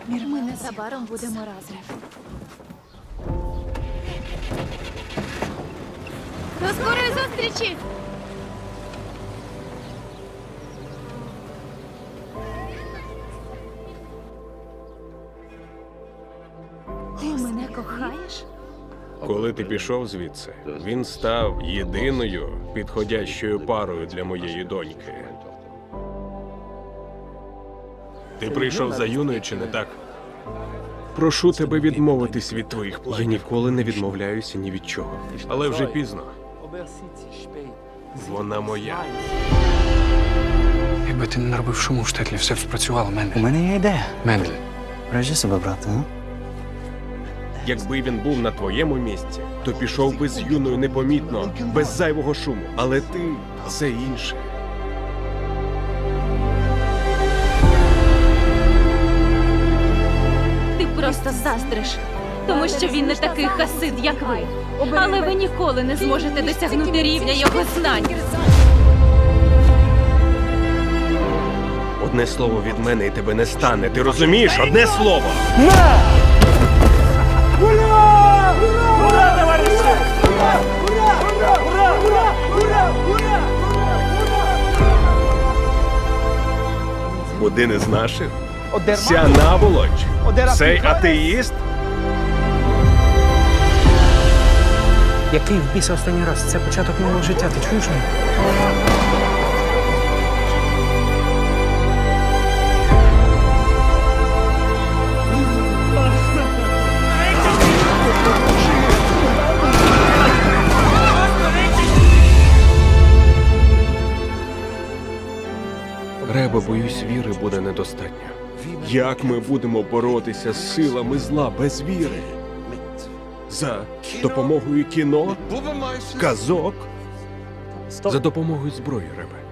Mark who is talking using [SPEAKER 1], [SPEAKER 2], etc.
[SPEAKER 1] Ми незабаром будемо разом. До скорої зустрічі! Ти мене кохаєш?
[SPEAKER 2] Коли ти пішов звідси, він став єдиною підходящою парою для моєї доньки. Ти прийшов за Юною, чи не так? Прошу тебе відмовитись від твоїх планів. Я ніколи не відмовляюся ні від чого. Але вже пізно. Вона моя.
[SPEAKER 3] Якби ти не наробив шуму в штетлі, все б спрацювало,
[SPEAKER 4] У
[SPEAKER 3] Мендель.
[SPEAKER 4] мене є ідея.
[SPEAKER 3] Мендель.
[SPEAKER 4] Бережи себе, брате, а?
[SPEAKER 2] Якби він був на твоєму місці, то пішов би з Юною непомітно, без зайвого шуму. Але ти – це інше.
[SPEAKER 1] Ти просто заздриш, тому що він не такий хасид, як ви. Але ви ніколи не зможете досягнути рівня його знань.
[SPEAKER 2] Одне слово від мене і тебе не стане. Ти розумієш? Одне слово! Один із наших? Ця наволоч? Цей атеїст?
[SPEAKER 3] Який в біса останній раз? Це початок нового життя, ти чуєш мене?
[SPEAKER 2] Ребе, боюсь, віри буде недостатньо. Як ми будемо боротися з силами зла без віри? За допомогою кіно, казок, за допомогою зброї, Ребе.